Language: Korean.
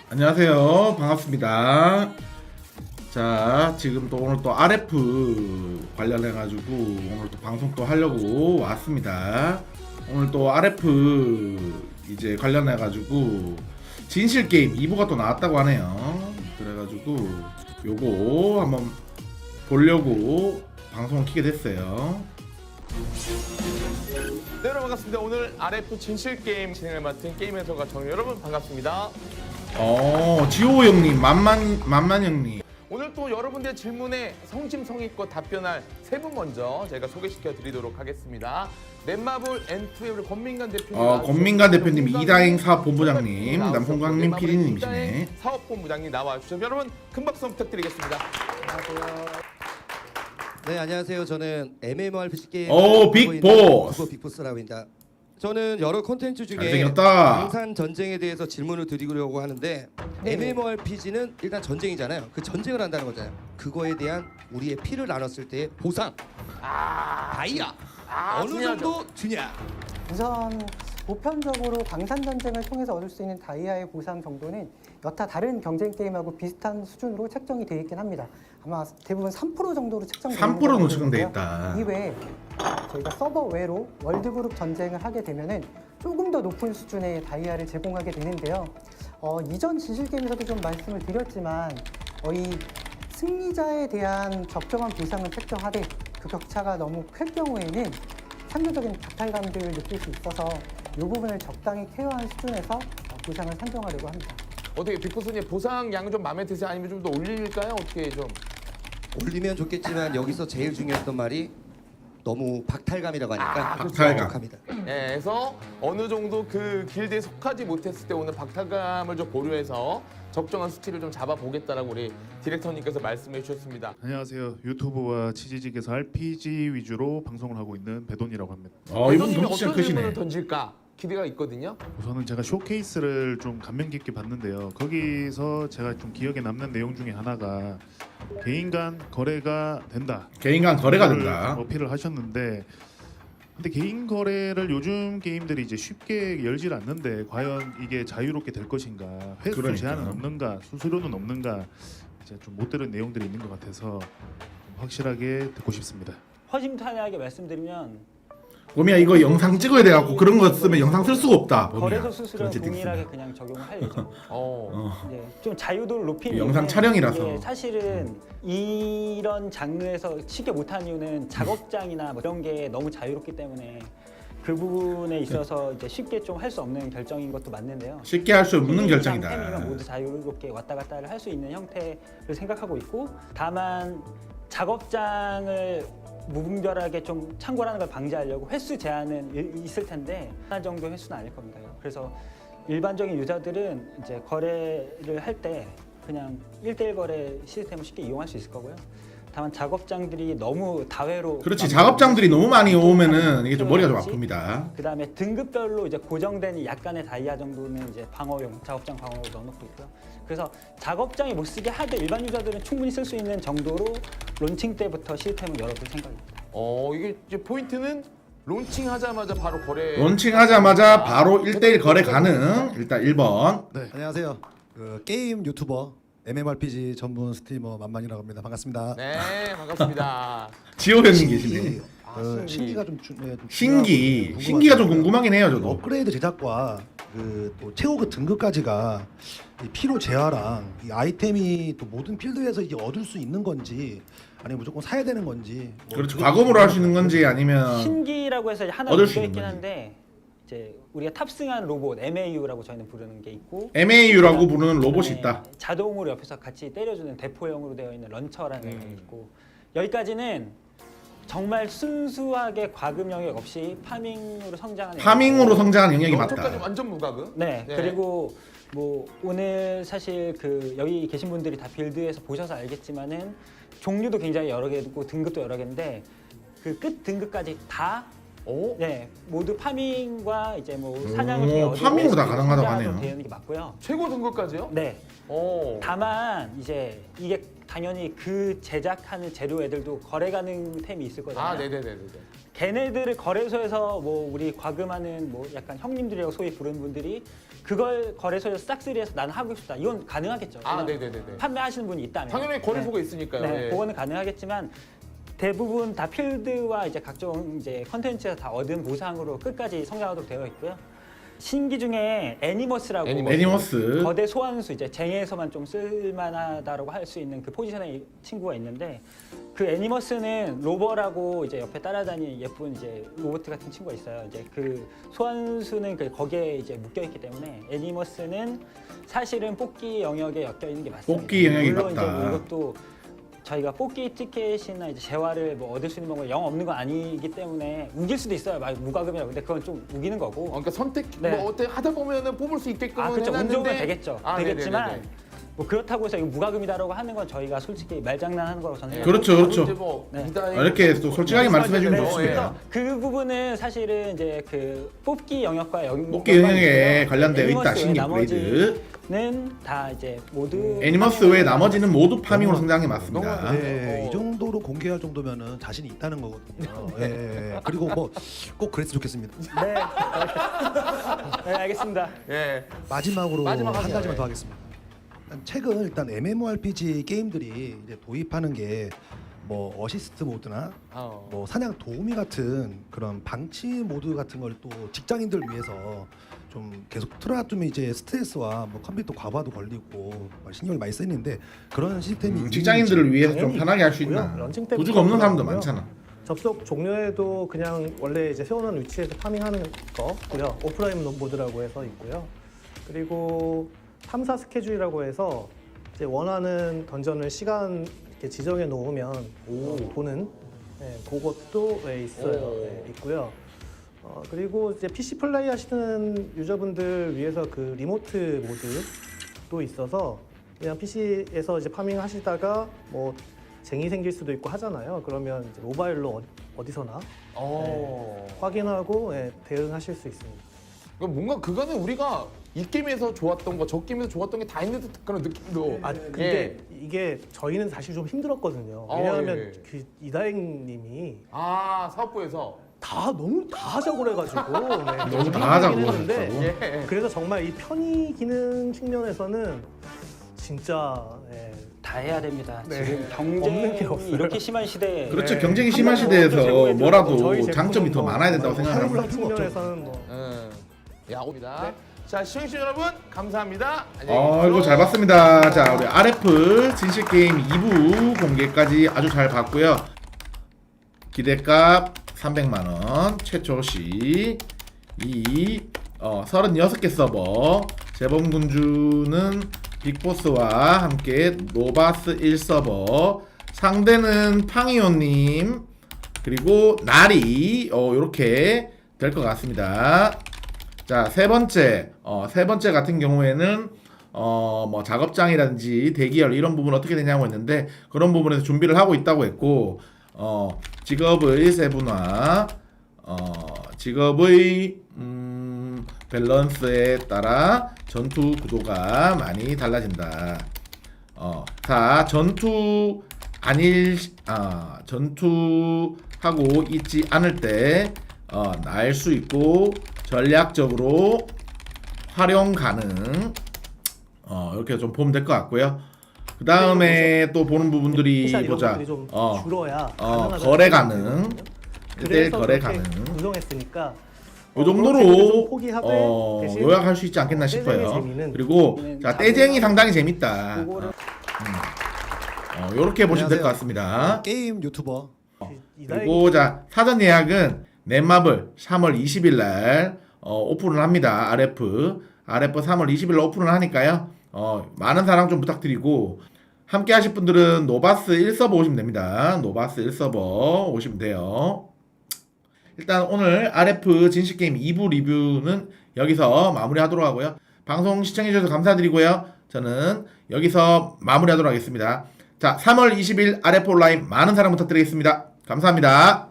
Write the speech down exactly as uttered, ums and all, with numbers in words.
안녕하세요. 반갑습니다. 자, 지금 또 오늘 또 알에프 관련해가지고 오늘 또 방송 또 하려고 왔습니다. 오늘 또 알에프 이제 관련해가지고 진실 게임 이 부가 또 나왔다고 하네요. 그래가지고 요거 한번 보려고 방송을 켜게 됐어요. 네, 여러분 반갑습니다. 오늘 알에프 진실 게임 진행을 맡은 게임 해설가 정유 여러분 반갑습니다. 어, 지호 형님, 만만 만만 형님. 오늘 또 여러분들의 질문에 성심성의껏 답변할 세 분 먼저 제가 소개시켜 드리도록 하겠습니다. 넷마블 엔투의 권민관 대표님, 어, 권민관 대표님, 이다행 사업본부장님, 남홍광님 피디님이시네. 사업본부장님 나와 주셔서 여러분 큰 박수 부탁드리겠습니다. 안녕하세요. 네, 안녕하세요. 저는 엠엠오알피지 게임 오, 빅보스. 빅보스라고 합니다. 저는 여러 콘텐츠 중에 잘생겼다. 방산 전쟁에 대해서 질문을 드리려고 하는데 엠엠오알피지는 일단 전쟁이잖아요. 그 전쟁을 한다는 거잖아요. 그거에 대한 우리의 피를 나눴을 때의 보상, 아, 다이아 아, 어느 중요하죠. 정도 주냐? 우선 보편적으로 방산 전쟁을 통해서 얻을 수 있는 다이아의 보상 정도는 여타 다른 경쟁 게임하고 비슷한 수준으로 책정이 되어 있긴 합니다. 아마 대부분 삼 퍼센트 정도로 책정되어 삼 퍼센트로 책정돼 있다. 이외에 저희가 서버 외로 월드그룹 전쟁을 하게 되면은 조금 더 높은 수준의 다이아를 제공하게 되는데요. 어, 이전 진실 게임에서도 좀 말씀을 드렸지만 어, 이 승리자에 대한 적정한 보상을 책정하되 그 격차가 너무 클 경우에는 상대적인 박탈감들을 느낄 수 있어서 이 부분을 적당히 케어한 수준에서 보상을 산정하려고 합니다. 어떻게 빅보스님 보상 양 좀 마음에 드세요? 아니면 좀 더 올릴까요? 어떻게 좀? 올리면 좋겠지만 여기서 제일 중요했던 말이 너무 박탈감이라고 하니까 아, 그렇죠. 박탈감. 합니다. 네, 그래서 어느 정도 그 길드에 속하지 못했을 때 오늘 박탈감을 좀 고려해서 적정한 수치를 좀 잡아보겠다라고 우리 디렉터님께서 말씀해 주셨습니다. 안녕하세요. 유튜브와 치지직에서 알피지 위주로 방송을 하고 있는 배돈이라고 합니다. 어, 이분 배도님이 덩치 어떤 크시네. 질문을 던질까 기대가 있거든요. 우선은 제가 쇼케이스를 좀 감명 깊게 봤는데요. 거기서 제가 좀 기억에 남는 내용 중에 하나가 개인 간 거래가 된다. 개인 간 거래가 그걸 된다. 어필을 하셨는데 근데 개인 거래를 요즘 게임들이 이제 쉽게 열질 않는데 과연 이게 자유롭게 될 것인가? 횟수 그러니까. 제한은 없는가? 수수료는 없는가? 이제 좀 못 들은 내용들이 있는 것 같아서 좀 확실하게 듣고 싶습니다. 허심탄회하게 말씀드리면 봄이야 이거 영상 찍어야 돼갖고 그런 거 쓰면 영상 쓸 수가 없다. 봄이야. 거래소 수수료는 그런 동일하게 채팅 그냥 적용을 할 예정입니다. 어. 어. 네, 좀 자유도를 높이는 영상 이유는 촬영이라서. 이게 사실은 이런 장르에서 쉽게 못하는 이유는 작업장이나 뭐 이런 게 너무 자유롭기 때문에 그 부분에 있어서 이제 쉽게 좀 할 수 없는 결정인 것도 맞는데요. 쉽게 할 수 없는 템이면 결정이다. 모두 자유롭게 왔다 갔다를 할 수 있는 형태를 생각하고 있고, 다만 작업장을 무분별하게 좀 창궐하는 걸 방지하려고 횟수 제한은 이- 있을 텐데 하나 정도 횟수는 아닐 겁니다. 그래서 일반적인 유저들은 이제 거래를 할 때 그냥 일대일 거래 시스템을 쉽게 이용할 수 있을 거고요. 다만 작업장들이 너무 다회로 그렇지. 작업장들이 너무 많이 오면은 이게 좀 머리가 좀 아픕니다. 그 다음에 등급별로 이제 고정된 약간의 다이아 정도는 이제 방어용, 작업장 방어로 넣어놓고 있고요. 그래서 작업장이 못 쓰게 하되 일반 유저들은 충분히 쓸 수 있는 정도로 론칭 때부터 시스템을 열어둘 생각입니다. 어, 이게 이제 포인트는 론칭하자마자 바로 거래. 론칭하자마자 바로 일대일 거래 가능. 일단 일 번. 안녕하세요. 그 게임 유튜버 엠엠오알피지 전문 스트리머 만만이라고 합니다. 반갑습니다. 네, 반갑습니다. 지호 형님 계시네. 아, 그 신기. 신기가 좀, 주, 네, 좀 신기. 중요하고 신기가 좀 궁금하더라고요. 궁금하긴 해요, 저도. 업그레이드 제작과 그 또 최고 그 등급까지가 이 피로 재화랑 이 아이템이 또 모든 필드에서 이게 얻을 수 있는 건지 아니면 무조건 사야 되는 건지. 뭐 그렇죠. 그런 과금으로 할 수 있는 건지 아니면 신기라고 해서 하나 얻을 수 묶여 있는 있긴 거지. 한데 이제 우리가 탑승한 로봇 엠에이유라고 저희는 부르는 게 있고, 엠에이유라고 부르는 로봇이 그다음에 있다. 자동으로 옆에서 같이 때려주는 대포형으로 되어 있는 런처라는 게 음. 있고, 여기까지는 정말 순수하게 과금 영역 없이 파밍으로 성장하는 파밍으로 성장하는 영역이 런처까지 맞다. 완전 무과금. 네, 네. 그리고 뭐 오늘 사실 그 여기 계신 분들이 다 빌드에서 보셔서 알겠지만은 종류도 굉장히 여러 개고 등급도 여러 개인데 그 끝 등급까지 다 오, 네, 모두 파밍과 이제 뭐 사냥을 통해 오, 얻을 파밍으로 수 다 있는 가능하다고 성장으로 하네요. 되어 있는 게 맞고요. 최고 등급까지요? 네. 오. 다만 이제 이게 당연히 그 제작하는 재료 애들도 거래 가능 템이 있을 거잖아요. 아, 네네네네. 걔네들을 거래소에서 뭐 우리 과금하는 뭐 약간 형님들이라고 소위 부르는 분들이 그걸 거래소에서 싹쓸이해서 나는 하고 싶다. 이건 가능하겠죠. 아, 왜냐면 네네네네. 판매하시는 분이 있다면. 당연히 거래소가 있으니까요. 네, 예. 그거는 가능하겠지만 대부분 다 필드와 이제 각종 이제 컨텐츠에서 다 얻은 보상으로 끝까지 성장하도록 되어 있고요. 신기 중에 애니머스라고 애니머스. 애니머스. 거대 소환수 이제 쟁에서만 좀 쓸만하다라고 할 수 있는 그 포지션의 친구가 있는데 그 애니머스는 로버라고 이제 옆에 따라다니는 예쁜 이제 로봇 같은 친구가 있어요. 이제 그 소환수는 그 거기에 이제 묶여 있기 때문에 애니머스는 사실은 뽑기 영역에 엮여 있는 게 맞습니다. 뽑기 영역이 물론 맞다. 이제 뭐 이것도 저희가 뽑기 티켓이나 이제 재화를 뭐 얻을 수 있는 방법이 영 없는 건 아니기 때문에 우길 수도 있어요. 막 무과금이라고. 근데 그건 좀 우기는 거고. 어, 그러니까 선택 네. 뭐 어때 하다 보면은 뽑을 수 있게끔 아, 그렇죠. 운 해놨는데 좋으면 되겠죠. 아, 되겠지만 네네네네. 뭐 그렇다고 해서 이거 무과금이다라고 하는 건 저희가 솔직히 말장난하는 거라고 저는 예. 생각합니다. 그렇죠, 그렇죠. 이제 뭐 네. 이다의 아, 이렇게 또 솔직하게 말씀해 주는 게 네. 좋습니다. 그 부분은 사실은 이제 그 뽑기 영역과 연 뽑기 영역에 관련되어 있다. 애니머스 신기 외 브레이드. 나머지는 다 이제 모두 애니머스 외 나머지는 모두 파밍으로 성장해 너무- 맞습니다. 네, 어. 이 정도로 공개할 정도면은 자신이 있다는 거거든요. 예, 예, 예. 그리고 뭐 꼭 그랬으면 좋겠습니다. 네. 네, 알겠습니다. 예. 마지막으로 마지막 한 하세요. 가지만 예. 더 하겠습니다. 일단 최근 일단 엠엠오알피지 게임들이 이제 도입하는 게 뭐 어시스트 모드나 어. 뭐 사냥 도우미 같은 그런 방치 모드 같은 걸 또 직장인들 위해서 좀 계속 틀어놔두면 이제 스트레스와 뭐 컴퓨터 과부하도 걸리고 신경을 많이 쓰이는데 그런 시스템이 음, 직장인들을 위해서 좀 당연히 편하게 할 수 있고요. 있나? 런칭 때부터 도주가 없는 사람도 그렇고요. 많잖아. 접속 종료에도 그냥 원래 이제 세워놓은 위치에서 파밍하는 거고요. 오프라인 모드라고 해서 있고요. 그리고 탐사 스케줄이라고 해서 이제 원하는 던전을 시간 이렇게 지정해 놓으면 어, 보는 네, 그것도 네, 있어요. 오. 네, 있고요. 어, 그리고 이제 피씨 플레이 하시는 유저분들 위해서 그 리모트 모드도 있어서 그냥 피씨에서 이제 파밍 하시다가 뭐 쟁이 생길 수도 있고 하잖아요. 그러면 이제 모바일로 어, 어디서나 어. 확인하고 예, 대응하실 수 있습니다. 그러니까 뭔가 그거는 우리가 이 게임에서 좋았던 거, 저 게임에서 좋았던 게 다 있는 듯 그런 느낌도. 아 근데 이게 저희는 사실 좀 힘들었거든요. 어, 왜냐하면 예. 그 이다행님이 아 사업부에서. 다 너무 다 하자고 그래가지고 네, 너무 다 하자고 했는데 하셨다고? 예. 그래서 정말 이 편의 기능 측면에서는 진짜 예, 다 해야 됩니다. 네. 지금 없는 게 경쟁이 없어요. 이렇게 심한 시대에 그렇죠. 네. 경쟁이 심한 한 번도 시대에서 제공해 뭐라도 저희 장점이 더 제품은 많아야 된다고 뭐 생각합니다. 할인 측면에서는 뭐 음. 야, 옵니다. 자, 시청해주신 여러분 감사합니다. 안녕히 어, 계십시오. 이거 잘 봤습니다. 자, 우리 알에프 진실 게임 이 부 공개까지 아주 잘 봤고요. 기대값 삼백만 원, 최초 시 이 어, 서른여섯 개 서버, 재범군주는 빅보스와 함께 노바스 일 서버, 상대는 팡이오님, 그리고 나리, 어, 요렇게 될 것 같습니다. 자, 세 번째, 어, 세 번째 같은 경우에는 어, 뭐 작업장이라든지 대기열 이런 부분 어떻게 되냐고 했는데 그런 부분에서 준비를 하고 있다고 했고, 어, 직업의 세분화, 어, 직업의 음, 밸런스에 따라 전투 구도가 많이 달라진다. 어, 자, 전투 아닐, 아, 전투하고 있지 않을 때, 어, 날 수 있고, 전략적으로 활용 가능. 어, 이렇게 좀 보면 될 것 같고요. 그 다음에 또 보는 부분들이 피셜 이런 보자. 것들이 좀 어, 줄어야 어, 가능하다는 거래 생각이 가능. 들거든요. 일 대일 그래서 거래 그렇게 가능. 구성했으니까 요 어, 그런 재미를 정도로 좀 포기하되 어, 대신 요약할 수 있지 않겠나 떼쟁이 싶어요. 재미는 그리고 재미는 자, 떼쟁이 상당히 재밌다. 그거를 어, 요렇게 보시면 될 것 같습니다. 게임 유튜버 그리고 자, 사전 예약은 넷마블 삼월 이십일 날 어, 오픈을 합니다. 알에프 알에프 삼월 이십일 날 오픈을 하니까요. 어, 많은 사랑 좀 부탁드리고 함께 하실 분들은 노바스 일 서버 오시면 됩니다. 노바스 일 서버 오시면 돼요. 일단 오늘 알에프 진실게임 이 부 리뷰는 여기서 마무리하도록 하고요. 방송 시청해주셔서 감사드리고요. 저는 여기서 마무리하도록 하겠습니다. 자, 삼월 이십일 알에프 온라인 많은 사랑 부탁드리겠습니다. 감사합니다.